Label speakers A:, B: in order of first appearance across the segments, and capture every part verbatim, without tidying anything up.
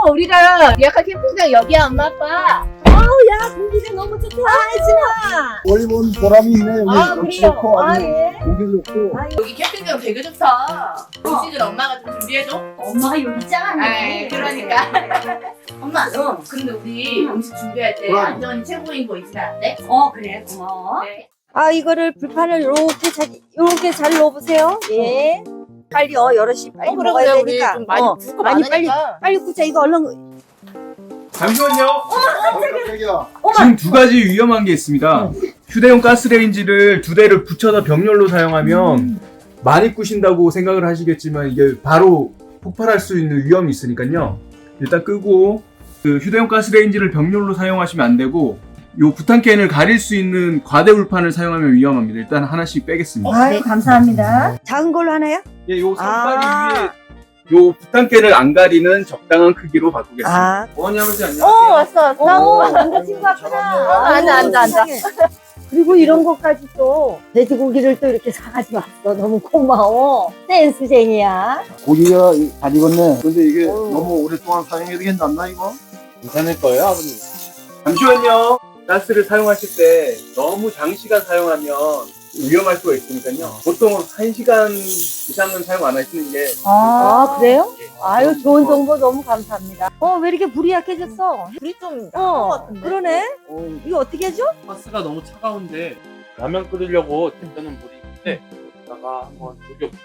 A: 우리가 예약한 캠핑장 여기야, 엄마, 아빠.
B: 야, 공기가 너무 좋다. 아,
C: 멀리 본 보람이 있네. 여기
B: 아,
C: 역시
B: 그래요?
C: 좋고
B: 아,
C: 아주
B: 예.
C: 공기 좋고.
A: 여기 캠핑장 되게 좋다. 음식은 엄마가 좀 준비해줘.
B: 엄마가 요리 짱하네.
A: 아, 그러니까. 엄마, 어, 근데 우리 음식 준비할 때
C: 그럼.
A: 안전이 최고인 거 있으면 안 돼?
B: 어, 그래, 고마워.
A: 네.
B: 아, 이거를 불판을 요렇게 잘, 요렇게 잘 넣어보세요. 예. 빨리요, 여럿이 빨리
A: 어, 그래,
B: 먹어야
A: 그래, 우리
B: 되니까.
A: 좀 많이
B: 어,
A: 붓고
B: 많이
A: 많으니까.
B: 빨리 굽자. 이거 얼른.
D: 잠시만요.
C: 어, 깜짝이야.
D: 지금 두 가지 위험한 게 있습니다. 휴대용 가스레인지를 두 대를 붙여서 병렬로 사용하면 많이 꾸신다고 생각을 하시겠지만 이게 바로 폭발할 수 있는 위험이 있으니까요. 일단 끄고 그 휴대용 가스레인지를 병렬로 사용하시면 안 되고 요 부탄캔을 가릴 수 있는 과대 울판을 사용하면 위험합니다. 일단 하나씩 빼겠습니다.
B: 아유, 감사합니다. 작은 걸로 하나요?
D: 예, 요 선바리
B: 아.
D: 위에 요 부탄캔을 안 가리는 적당한 크기로 바꾸겠습니다.
B: 아.
D: 어머니 아버지 안녕하세요.
A: 어, 왔어, 왔어.
B: 어, 남자친구 왔구나.
A: 어, 앉아, 앉아, 앉아.
B: 그리고 이런 것까지 또 돼지고기를 또 이렇게 사가지고 왔어. 너무 고마워. 센스쟁이야.
C: 고기가 잘 익었네. 근데 이게
B: 어우.
C: 너무 오랫동안 사용해도 괜찮나 이거?
D: 괜찮을 거예요, 아버님. 잠시만요. 가스를 사용하실 때 너무 장시간 사용하면 위험할 수가 있으니까요. 보통 한 시간 이상은 사용 안 하시는 게.
B: 아, 그래요? 아유, 좋은 정보 너무 감사합니다. 어, 왜 이렇게 불이 약해졌어?
A: 불이 좀
B: 어, 그러네. 이거 어떻게 해줘?
E: 가스가 너무 차가운데 라면 끓이려고 데펴는 물이 있는데 여기다가 한번 녹여볼게요.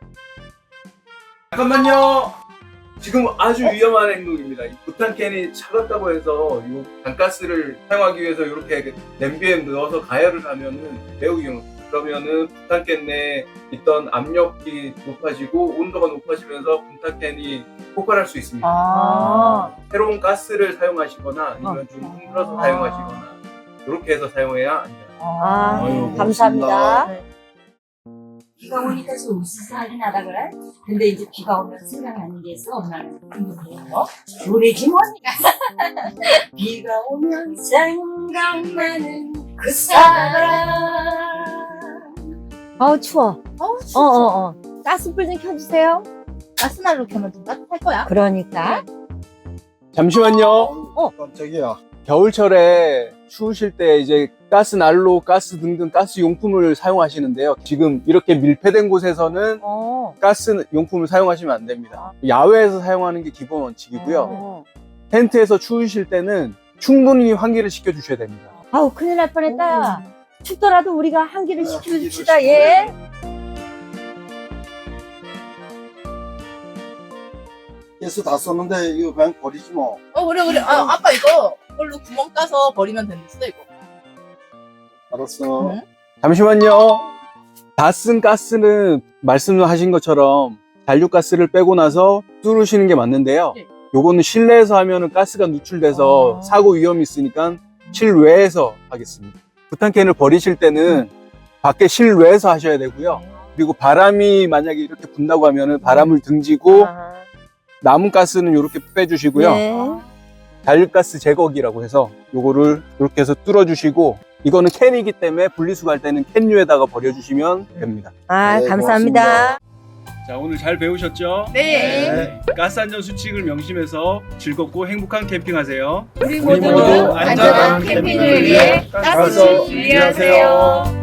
D: 잠깐만요. 지금 아주 위험한 행동입니다. 이 부탄캔이 차갑다고 해서 이 단가스를 사용하기 위해서 이렇게 냄비에 넣어서 가열을 하면은 매우 위험합니다. 그러면은 부탄캔 내에 있던 압력이 높아지고 온도가 높아지면서 부탄캔이 폭발할 수 있습니다.
B: 아.
D: 새로운 가스를 사용하시거나 아니면 좀 흔들어서
B: 아.
D: 사용하시거나 이렇게 해서 사용해야 합니다.
B: 아,
C: 아유,
B: 감사합니다.
C: 고맙습니다.
F: 비가 오니까 좀 으스스하긴 하다 그래? 근데 이제 비가 오면 생각나는 게 있어, 엄마는. 뭐? 노래지 뭐니까. 비가 오면 생각나는 그 사람.
B: 아우, 추워.
A: 어우,
B: 어,
A: 진짜.
B: 어, 어. 가스불 좀 켜주세요.
A: 가스난로 켜면 좀 따뜻할 거야.
B: 그러니까.
D: 잠시만요.
C: 어, 깜짝이야.
D: 겨울철에 추우실 때 이제 가스 난로, 가스 등등 가스 용품을 사용하시는데요. 지금 이렇게 밀폐된 곳에서는
B: 어.
D: 가스 용품을 사용하시면 안 됩니다. 야외에서 사용하는 게 기본 원칙이고요.
B: 어.
D: 텐트에서 추우실 때는 충분히 환기를 시켜주셔야 됩니다.
B: 아우, 큰일 날 뻔했다.
A: 음.
B: 춥더라도 우리가 한기를
C: 네,
B: 시켜줍시다,
C: 한기를
B: 예.
C: 가스 다 썼는데 이거 그냥 버리지 뭐.
A: 어, 그래, 그래. 아, 아빠 이거 이걸로 구멍 따서 버리면 된댔어, 이거.
C: 알았어.
A: 응?
D: 잠시만요. 다 쓴 가스는 말씀하신 것처럼 잔류가스를 빼고 나서 뚫으시는 게 맞는데요.
A: 네.
D: 요거는 실내에서 하면은 가스가 누출돼서
B: 아.
D: 사고 위험이 있으니까 실외에서 하겠습니다. 부탄캔을 버리실 때는 밖에 실외에서 하셔야 되고요. 그리고 바람이 만약에 이렇게 분다고 하면은 바람을 등지고
B: 아.
D: 남은 가스는 이렇게 빼주시고요.
B: 네.
D: 잔류가스 제거기라고 해서 요거를 이렇게 해서 뚫어주시고, 이거는 캔이기 때문에 분리수거할 때는 캔류에다가 버려주시면 됩니다.
B: 아,
C: 네,
B: 감사합니다.
D: 자, 오늘 잘 배우셨죠?
A: 네.
D: 가스 안전 수칙을 명심해서 즐겁고 행복한 캠핑하세요.
A: 우리
D: 모두
A: 모두
D: 안전한
A: 안전한 캠핑을 위해 가스
C: 가스
A: 준비하세요.